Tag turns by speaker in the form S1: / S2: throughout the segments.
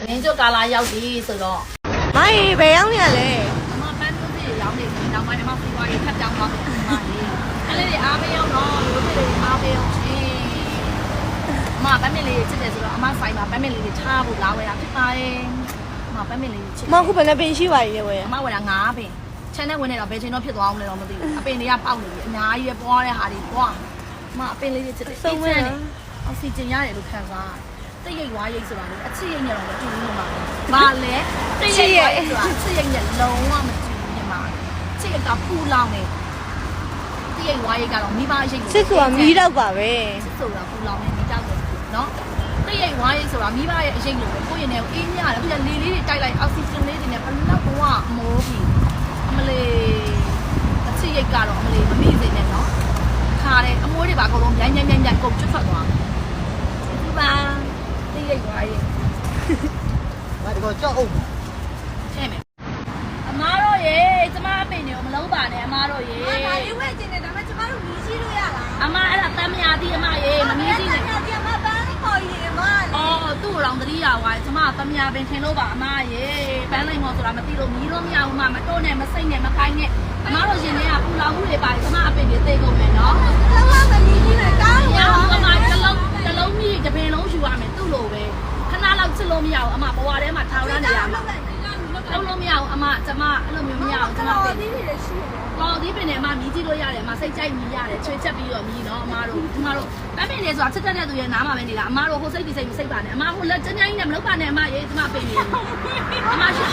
S1: တင်းကျွတ်ကာလာရောက်ပြီဆိုတော့
S2: မိုင်းဘယ်ရောက်နေရလဲ
S1: အမပန်းသူစီရောက်နေပြီနောက်ပိုင်းအမစီးပွားရေးထပ်ကြောင်းသွားတယ်အမလေးအဲ့လေးတွေအားပေးအောင်တော့လူတွေအားပေးအောင်ရှင်အမပန်းမလေးချစ်တယ်ဆိုတော့အမဆိုင်မှာပန်းမလေးတွေထားဖို့လာဝယ်တာဖြစ်ပါတယ်အမပန်းမလေးချစ်
S2: မခုဘယ်နဲ့ပင်ရှိပါရဲ့ဝယ်
S1: အမဝယ်တာ9ပင်ချန်နဲ့ဝင်နေတော့ဘယ်ချိန်တော့ဖြစ်သွားအောင်လဲတော့မသိဘူးအပင်တွေကပေါက်နေပြီအများကြီးပဲပွားတဲ့ဟာတွေပွားအမအပင်လေးတွေချစ်တယ်စိတ်ချမ်းတယ်အောက်ဆီဂျင်ရတယ်လို့ခံစားတိတ်ရိတ်ဝါရိတ်ဆိုတာလေအချစ်ရိတ်နဲ့တော့မတူဘူးမှာဘာလဲတိတ်ရိတ်ဝါရိတ်ဆိုတာအချစ်ရိတ်နဲ့လုံးဝမတူဘူးညီမချစ်ရတာပူလောင်နေတိတ်ရိတ်ဝါရိတ်ကတော့မိဘရိတ်
S2: စစ်ဆိုတာမီးတော့ပါပဲ
S1: ချစ်ဆိုတာပူလောင်နေမိကြောက်တယ်နော်တိတ်ရိတ်ဝါရိတ်ဆိုတာမိဘရဲ့အရိတ်လို့ပဲကိုယ့်ရင်ထဲကိုအေးမြရတယ်အခုလေလေးတွေတိုက်လိုက်အောက်ဆီဂျင်လေးတွေနဲ့ဘယ်လောက်ဘဝမိုးပြီးအမလေးအချစ်ရိတ်ကတော့အမလေးမမိစေနဲ့နော်ခါတယ်အမိုးတွေပါအကုန်လုံးမြိုင်ကုန်ကျွတ်ထွက်သွားဒီပါတိတ်ရိတ်ဝါရိတ်
S3: ငါဒီကောကြောက်အောင်
S1: ချဲ့မယ်အမားတို့ရေကျမအပင်တွေကိုမလုံးပါနဲ့အမားတို့ရေ
S2: ဒါလေးဝယ်ကျင်တယ်ဒါပေမဲ့ကျမတို့မီးရှိလို့ရလား
S1: အမားအဲ့ဒါတမ်းမရသေးအမရေမမီးစီးနဲ့
S2: ဒီမှာပန်းခေါ်ရည်မ
S1: အော်သူ့တော်တတိယဝါကျမတမ်းမရပင်ထင်လို့ပါအမရေပန်းလိမ်မော်ဆိုတာမသိလို့မီးလို့မရဘူးမတိုးနဲ့မစိတ်နဲ့မခိုင်းနဲ့အမားတို့ရှင်တွေကပူလောင်မှုတွေပါတယ်ကျမအပင်တွေသိကုန်မယ်နော်
S2: တော့မမီးကြီးနဲ့ကောင်း
S1: ရအောင်အမတလုံးမီးတပင်လုံးယူရမယ်သူ့လိုပဲခဏလောက်ချစ်လို့မရဘူးအမဘဝထဲမှာထောင်ရနေရမှာလုံးလို့မရဘူးအမကျမအဲ့လိုမျိုးမရဘူးကျမပင်
S2: ဒီလိုရှိတယ်
S1: ကော်ဒီပင်နဲ့အမမြည်ကြည့်လို့ရတယ်အမစိတ်ကြိုက်မြည်ရတယ်ချွေချက်ပြီးတော့မြည်နော်အမတို့ပန်းပင်လေးဆိုတာချက်တဲ့သူရဲ့နားမှာပဲနေတာအမတို့ဟိုစိတ်ဒီစိတ်မစိတ်ပါနဲ့အမဟိုလက်ကျန်းကျန်းကြီးနဲ့မလုပ်ပါနဲ့အမရေကျမပင်နေအမရှိ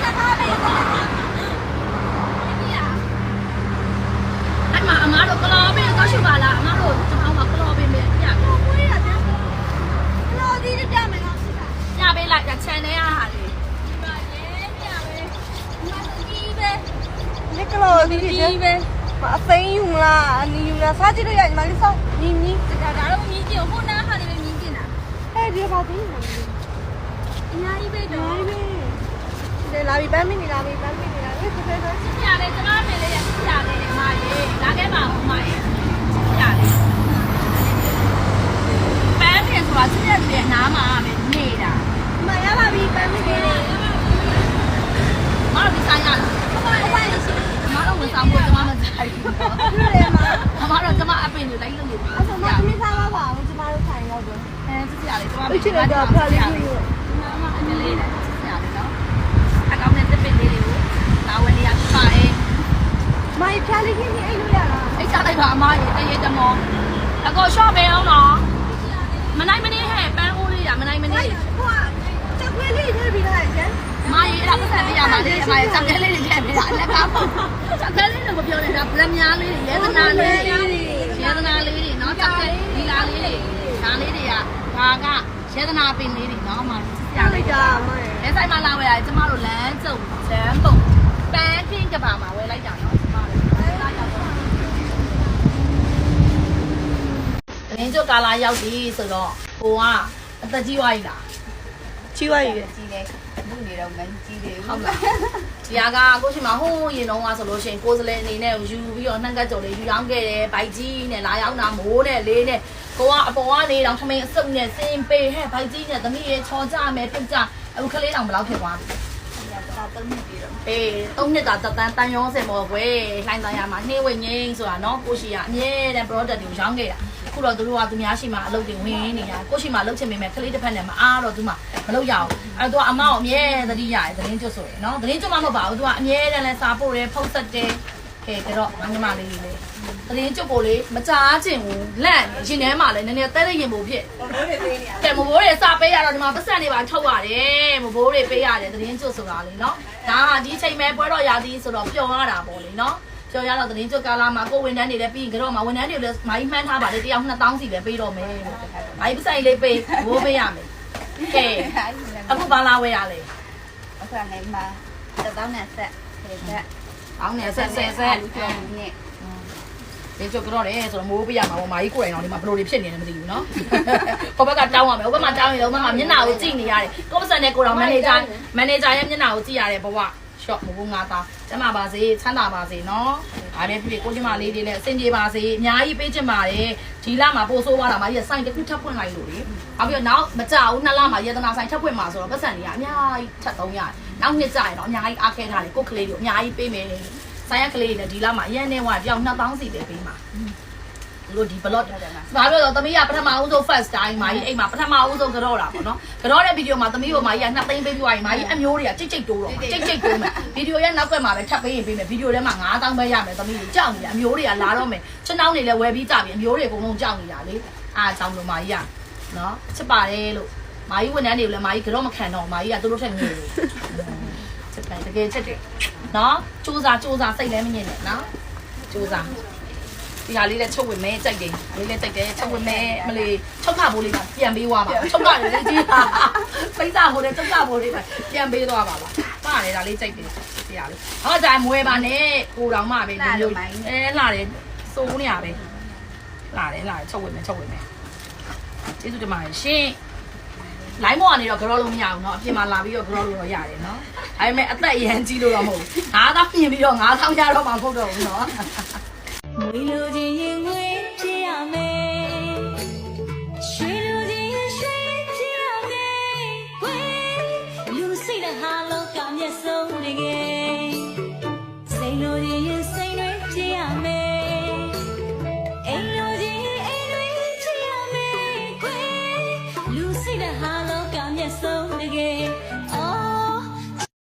S1: အမတို့ကလောပင်တော့ရှိပါလားအမတို့ကျွန်တော်ကကလောပင်ပဲည
S2: ကိုရပြန်လို့ဒီပြမယ်လားစစ်တာ
S1: ညပေးလိုက်ချန်နေရဟာလေ
S2: ပါလေပြမယ်မကြီးပဲလက်ကလောဒီကြီးပဲအသိယူမလားအနီယူလားစားကြည့်လို့ရညီမလေးစောင်းမြင်းမြင်းဒါတော့မြင်းကြည့်ဟိုနားဟာနေပဲမြင်းကြည့်တာအဲဒီပါသေးတယ်အများကြီးပဲတော့ဒီလာပြီးပန်းမင်းနေလာပြီးပန်းမင်းနေလာပြီဖြစ်ဖြစ်
S1: ချစ်ရတယ်ကျမပင်လေးရချစ်ရတယ်အမရေလာခဲ့ပါဦးအမရေချစ်ရတယ်ပန်းပင်ဆိုတာချစ်တဲ့သူရဲ့နားမှာပဲနေတာ
S2: မရပါပြီပန်းမင်းနေ
S1: မတော်ဒီဆိုင်ရလား
S2: ဘာဘာရှိ
S1: မတော်ဝန်ဆောင်ဖို့ကျမမဆိုင်ဘူး
S2: လို့လေမ
S1: အမတော့ကျမအပင်တွေလိုက်လို့နေပြီ
S2: အဲ့တော့မသမီးစားပါပါဦးကျမတို့ထိုင်တော့တော့
S1: ချစ်ရတယ်ကျမ
S2: အချစ်တော့ဖားလေးကြီး
S1: အမအကလေးနဲ့ချစ်ရတယ်နော်အကောင်းနဲ့တစ်ပင်လေးတွေကိုလာဝင်နေရပါတယ်
S2: မိုင်ဖားလေးကြီးနေအဲ့လိုရလား
S1: အိတ်ချလိုက်ပါအမရေတရေတမောအကောရှော့ပေးအောင်နော်မနိုင်မနေဟဲ့ပန်းဦးလေးရမနိုင်မနေ
S2: ဟိုကချက်ခွေးလေးထည့်ပြီးလိုက်ကျန်
S1: အမရေအဲ့ဒါပတ်သက်ပြရမှာလေအမရေစက်ကလေးတွေထည့်ပေးတာလက်ကားပေါ့စက်ကလေးတွေမပြောနေတာဗလက်များလေးတွေရဲသနာလေးတွေရဲသနာလေးတွေနော်စက်ကဒီလာလေးတွေဒါလေးတွေကဒါကရဲသနာပင်လေးတွေနော်အမစက်လေးလက်ဆိုင်မှာလာဝယ်ရတယ်ကျမတို့လမ်းကျုံလမ်းပုံပန်းခင်းကဘာမှာဝယ်လိုက်တာနော်ကျမတို့တင်းကျွတ်ကာလာရောက်ပြီဆိုတော့ဟိုကအသက်ကြီးသွားပြီလား
S2: ချီဝါရီ
S3: ကြီးလေလူနေတော့မကြီးသေး
S1: ဟု
S3: ဘူး
S1: တ်လားဒီဟာကကိုရှိမှာဟိုးရင်တော့ဆိုလို့ရှိရင်ကိုယ်စလဲအနေနဲ့ယူပြီးတော့နှံ့ကတ်ကြော်လေးယူရောင်းခဲ့တယ်ဘိုက်ကြီးနဲ့လာရောက်တာမိုးနဲ့လေးနဲ့ကိုကအပေါ်ကနေတော့ထမင်းအစုပ်နဲ့စင်ပေးဟဲ့ဘိုက်ကြီးနဲ့သမီးရဲ့ချော်ကြမယ်ပြုတ်ကြအခုကလေးတောင်ဘယ်လောက်ဖြစ်သွားပြီ
S3: တော့တုံးနေပြီတော့
S1: အေး၃နှစ်တာတန်ရောစင်မော်ကွယ်လှိုင်းတန်ရမှာနှင်းဝင်းငင်းဆိုတာနော်ကိုရှိကအမြဲတမ်း product တွေကိုရောင်းခဲ့တာခုတော့သူတို့ကသူများရှိမှအလုပ်တွေဝင်နေတာကိုရှိမှလုပ်ချင်ပေမဲ့ကလေးတစ်ဖက်နဲ့မအားတော့သူမှမလုပ်ရအောင်အဲ့တော့အမောက်အမြဲသတိရတယ်သတင်းကျွတ်ဆိုရယ်နော်သတင်းကျွတ်မှမဟုတ်ပါဘူးသူကအမြဲတမ်းလဲစာပို့တယ်ဖုတ်ဆက်တယ်ကဲတော့ငါညီမလေးလေးသတင်းကျွတ်ကိုလေမကြားချင်ဘူးလန့်နေရင်ထဲမှာလဲနည်းနည်းတဲတဲ့ရင်ပုံဖြစ်
S2: ဘိုးတွေပေးနေရ
S1: ကဲမဘိုးတွေစာပေးရတော့ဒီမှာပတ်စံတွေပါထုတ်ရတယ်မဘိုးတွေပေးရတယ်သတင်းကျွတ်ဆိုတာလေနော်ဒါကဒီချိန်မဲ့ပွဲတော်ရာသီဆိုတော့ပျော်ရတာပေါ့လေနော်ကျော်ရတော့သတင်းကျွတ်ကာလာမှာကိုဝန်ထမ်းတွေလည်းပြီးရင်ကတော့မှဝန်ထမ်းတွေလည်းမိုင်းမှန်းထားပါလေတယောက်2000စီပဲပေးတော့မယ်မိုင်းပဆိုင်လေးပေးဘိုးပေးရမယ်ကဲအခုဘာလာဝဲရလဲ
S3: အခါနေမှာတောင်းနဲ့ဆက်ဆက်
S1: အောင်းနေဆက်
S3: လူကျော်နဲ့
S1: ဒီကျွတ်ကတော့လေဆိုတော့မိုးပေးရမှာပေါ့မာကြီးကိုယ်တိုင်တော့ဒီမှာဘလိုတွေဖြစ်နေတယ်မသိဘူးနော်ဟိုဘက်ကတောင်းရမယ်ဟိုဘက်မှာတောင်းရင်တော့မှမျက်နှာကိုကြည့်နေရတယ်ကိုပစံနဲ့ကိုတော်မန်နေဂျာရဲ့မျက်နှာကိုကြည့်ရတယ်ဘဝရှော့မဟုတ်ငါသားကျမပါစေချမ်းသာပါစေနော်ဒါပဲဖြစ်ဖြစ်ကိုကျမလေးတွေလည်းအဆင်ပြေပါစေအများကြီးပေးချင်ပါတယ်ဒီလမှာပို့ဆိုးသွားတာမာကြီးစိုင်းတစ်ခုထပ်ဖွင့်လိုက်လို့လေနောက်ပြီးတော့နောက်မကြဘူး2လမှာယေသနာဆိုင်ထပ်ဖွင့်မှာဆိုတော့ပတ်စံတွေကအများကြီးထပ်300နောက်နှစ်ကြရင်တော့အများကြီးအားခဲထားတယ်ကိုကလေးတွေအများကြီးပေးမယ်ဆိုင်ရကလေးတွေလည်းဒီလမှာအရင်နဲ့ဝါတယောက်2000စီပဲပေးမှာလို့ဒီ blog ဘာလို့လဲသမီးကပထမဦးဆုံး first time မာကြီးအိမ်မှာပထမဦးဆုံးကြောတာပေါ့နော်ကြောတဲ့ဗီဒီယိုမှာသမီးကမာကြီးက2သိန်းပေးပြီးွားရင်မာကြီးအမျိုးတွေကကြိတ်တိုးတော့ကြိတ်တိုးမယ်ဗီဒီယိုရဲ့နောက်ကွယ်မှာပဲထပ်ပေးရင်ပေးမယ်ဗီဒီယိုထဲမှာ9000ပဲရမယ်သမီးတွေကြောက်နေတာအမျိုးတွေကလာတော့မယ်ချက်နှောင်းတွေလည်းဝယ်ပြီးကြပြီအမျိုးတွေအကုန်လုံးကြောက်နေတာလေအားကြောင့်လို့မာကြီးကနော်ချစ်ပါတယ်လို့မာကြီးဝန်ထမ်းတွေကိုလည်းမာကြီးကြောမခံတော့မာကြီးကသူတို့ထက်ငယ်တယ်ချစ်တယ်တကယ်ချစ်တယ်နော်စူးစားစိတ်လည်းမငြင်းနဲ့နော်စူးစားဒီဟာလေးလည်းချုပ်ဝင်မဲကြိုက်တယ်လေးလည်းကြိုက်တယ်ချုပ်ဝင်မဲမလေးချုပ်ခဖို့လေးပြန်ပေးသွားပါချုပ်ခလေးကြီးပိစာဖို့လေးချုပ်ခဖို့လေးပြန်ပေးသွားပါပါတယ်ဒါလေးကြိုက်တယ်ဒီဟာလေးဟောကြိုင်မွဲပါနဲ့ကိုတော်မှပဲဒီလိုလာတယ်စိုးနေရပဲလာတယ်ချုပ်ဝင်မဲကျေးဇူးတင်ပါတယ်ရှင်လိုင်းမောကနေတော့ကြောလို့မရဘူးเนาะအပြင်မှာလာပြီးတော့ကြောလို့ရတယ်เนาะဒါပေမဲ့အသက်အရန်ကြီးလို့တော့မဟုတ်ဘူး9000ပြင်ပြီးတော့9000ရတော့မှမဟုတ်တော့ဘူးเนาะ
S2: မွေလိုချင်ရင်ငွေဖြစ်ရမယ်ရွှေလိုချင်ရင်ရွှေဖြစ်ရမယ်ဝေးလူစိတ်တဲ့ဟာလောကမျက်စုံတကယ်စိတ်လိုချင်ရင်စိ